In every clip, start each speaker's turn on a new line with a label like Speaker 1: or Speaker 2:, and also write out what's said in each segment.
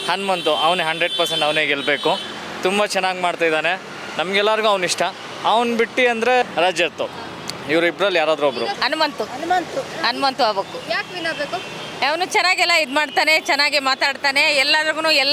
Speaker 1: ಹನುಮಂತು ಅವನೇ 100% ಅವನೇ ಗೆಲ್ಲಬೇಕು. ತುಂಬ ಚೆನ್ನಾಗಿ ಮಾಡ್ತಾಯಿದ್ದಾನೆ, ನಮಗೆಲ್ಲರಿಗೂ ಅವ್ನು ಇಷ್ಟ. ಅವ್ನು ಬಿಟ್ಟು ಅಂದರೆ ರಜತ್, ಇವರಿಬ್ಬರಲ್ಲಿ ಯಾರಾದರೂ ಒಬ್ಬರು.
Speaker 2: ಹನುಮಂತು ಆಗ್ಬೇಕು.
Speaker 3: ಯಾಕೆ ವಿನ್ ಆಗಬೇಕು?
Speaker 2: ಅವನು ಚೆನ್ನಾಗೆಲ್ಲ ಇದು ಮಾಡ್ತಾನೆ, ಚೆನ್ನಾಗಿ ಮಾತಾಡ್ತಾನೆ, ಎಲ್ಲರಿಗೂ ಎಲ್ಲ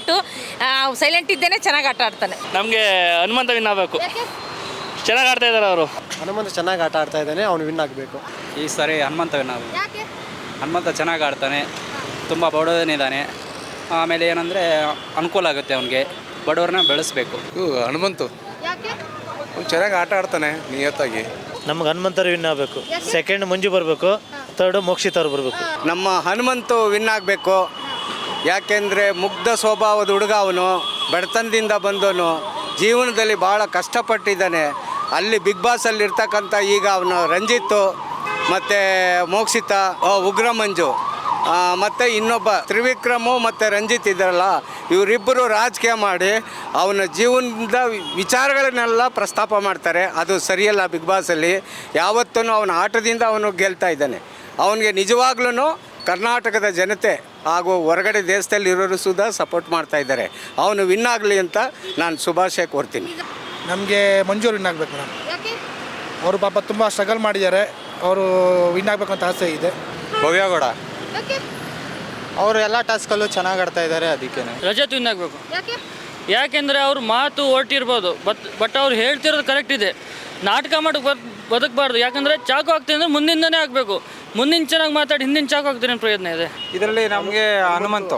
Speaker 2: ಸೈಲೆಂಟ್ ಇದ್ದೇನೆ ಚೆನ್ನಾಗಿ ಆಟ ಆಡ್ತಾನೆ.
Speaker 1: ನಮಗೆ ಹನುಮಂತ ವಿನ್ ಆಗಬೇಕು. ಚೆನ್ನಾಗಿ ಆಡ್ತಾ ಇದ್ದಾರೆ ಅವರು.
Speaker 4: ಹನುಮಂತ ಚೆನ್ನಾಗಿ ಆಟ ಆಡ್ತಾ ಇದ್ದಾನೆ, ಅವನು ವಿನ್ ಆಗಬೇಕು.
Speaker 5: ಈ ಸಾರಿ ಹನುಮಂತ ವಿನ್ ಆಗಬೇಕು.
Speaker 3: ಯಾಕೆ?
Speaker 5: ಹನುಮಂತ ಚೆನ್ನಾಗಿ ಆಡ್ತಾನೆ, ತುಂಬ ಬಡವನಿದ್ದಾನೆ. ಆಮೇಲೆ ಏನಂದರೆ ಅನುಕೂಲ ಆಗುತ್ತೆ ಅವನಿಗೆ, ಬಡವ್ರನ್ನ ಬೆಳೆಸಬೇಕು.
Speaker 6: ಹನುಮಂತು
Speaker 3: ಯಾಕೆ?
Speaker 6: ಚೆನ್ನಾಗಿ ಆಟ ಆಡ್ತಾನೆ ನಿಯತ್ತಾಗಿ.
Speaker 7: ನಮ್ಗೆ ಹನುಮಂತರು ವಿನ್ ಆಗಬೇಕು. ಸೆಕೆಂಡ್ ಮಂಜು ಬರಬೇಕು, ಥರ್ಡ್ ಮೋಕ್ಷಿತ್ ಅವ್ರು ಬರಬೇಕು.
Speaker 4: ನಮ್ಮ ಹನುಮಂತು ವಿನ್ ಆಗಬೇಕು. ಯಾಕೆಂದರೆ ಮುಗ್ಧ ಸ್ವಭಾವದ ಹುಡುಗ ಅವನು, ಬಡತನದಿಂದ ಬಂದವನು, ಜೀವನದಲ್ಲಿ ಭಾಳ ಕಷ್ಟಪಟ್ಟಿದ್ದಾನೆ. ಅಲ್ಲಿ ಬಿಗ್ ಬಾಸಲ್ಲಿ ಇರ್ತಕ್ಕಂಥ ಈಗ ಅವನು ರಂಜಿತ್ತು ಮತ್ತು ಮೋಕ್ಷಿತ, ಉಗ್ರ ಮಂಜು ಮತ್ತು ಇನ್ನೊಬ್ಬ ತ್ರಿವಿಕ್ರಮು ಮತ್ತು ರಂಜಿತ್ ಇದ್ದಾರಲ್ಲ, ಇವರಿಬ್ಬರು ರಾಜಕೀಯ ಮಾಡಿ ಅವನ ಜೀವನದ ವಿಚಾರಗಳನ್ನೆಲ್ಲ ಪ್ರಸ್ತಾಪ ಮಾಡ್ತಾರೆ. ಅದು ಸರಿಯಲ್ಲ. ಬಿಗ್ ಬಾಸಲ್ಲಿ ಯಾವತ್ತೂ ಅವನ ಆಟದಿಂದ ಅವನು ಗೆಲ್ತಾ ಇದ್ದಾನೆ. ಅವನಿಗೆ ನಿಜವಾಗ್ಲೂ ಕರ್ನಾಟಕದ ಜನತೆ ಹಾಗೂ ಹೊರಗಡೆ ದೇಶದಲ್ಲಿರೋರು ಸುಧಾ ಸಪೋರ್ಟ್ ಮಾಡ್ತಾ ಇದ್ದಾರೆ. ಅವನು ವಿನ್ ಆಗಲಿ ಅಂತ ನಾನು ಶುಭಾಶಯ ಕೋರ್ತೀನಿ.
Speaker 8: ನಮಗೆ ಮಂಜೂರು ವಿನ್ ಆಗಬೇಕು ಮೇಡಮ್.
Speaker 3: ಯಾಕೆ?
Speaker 8: ಅವರು ಪಾಪ ತುಂಬ ಸ್ಟ್ರಗಲ್ ಮಾಡಿದ್ದಾರೆ, ಅವರು ವಿನ್ ಆಗಬೇಕು ಅಂತ ಆಸೆ ಇದೆ.
Speaker 4: ಭವ್ಯಗೌಡ
Speaker 3: ಯಾಕೆ?
Speaker 4: ಅವರು ಎಲ್ಲ ಟಾಸ್ಕಲ್ಲೂ ಚೆನ್ನಾಗಿ ಆಡ್ತಾ ಇದ್ದಾರೆ, ಅದಕ್ಕೆ
Speaker 1: ರಜತ್ ವಿನ್ ಆಗಬೇಕು.
Speaker 3: ಯಾಕೆ?
Speaker 1: ಯಾಕೆಂದರೆ ಅವ್ರ ಮಾತು ಹೊರಟಿರ್ಬೋದು, ಬಟ್ ಅವ್ರು ಹೇಳ್ತಿರೋದು ಕರೆಕ್ಟ್ ಇದೆ. ನಾಟಕ ಮಾಡೋಕ್ಕೆ ಬದುಕಬಾರ್ದು. ಯಾಕಂದರೆ ಚಾಕು ಹಾಕ್ತೀನಿ ಅಂದರೆ ಮುಂದಿಂದನೇ ಆಗಬೇಕು. ಮುಂದಿನ ಚೆನ್ನಾಗಿ ಮಾತಾಡಿ ಹಿಂದಿನ ಚಾಕು ಹಾಕ್ತೀನಿ ಅನ್ನೋ ಪ್ರಯತ್ನ ಇದೆ.
Speaker 5: ಇದರಲ್ಲಿ ನಮಗೆ ಹನುಮಂತು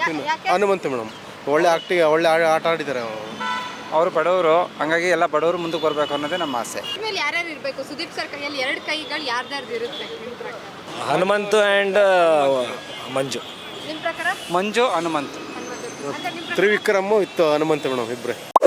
Speaker 4: ಮೇಡಮ್ ಒಳ್ಳೆ ಆಟ ಆಡಿದ್ದಾರೆ.
Speaker 5: ಅವರು ಬಡವರು, ಹಂಗಾಗಿ ಎಲ್ಲ ಬಡವರು ಮುಂದಕ್ಕೆ ಬರಬೇಕು ಅನ್ನೋದೇ ನಮ್ಮ ಆಸೆ.
Speaker 3: ಮೇಲೆ ಯಾರ್ಯಾರು ಇರಬೇಕು? ಸುದೀಪ್ ಸರ್ ಕೈಯಲ್ಲಿ 2 ಕೈಗಳು ಯಾರ್ದಾರ್ದು ಇರುತ್ತೆ ನಿಮ್ಮ ಪ್ರಕಾರ?
Speaker 7: ಹನುಮಂತು ಆ್ಯಂಡ್ ಮಂಜು.
Speaker 3: ನಿಮ್ಮ ಪ್ರಕಾರ?
Speaker 5: ಮಂಜು ಹನುಮಂತು.
Speaker 3: ಹನುಮಂತ.
Speaker 4: ತ್ರಿವಿಕ್ರಮು ಇತ್ತು ಹನುಮಂತ ಮೇಡಮ್ ಇಬ್ಬರೇ.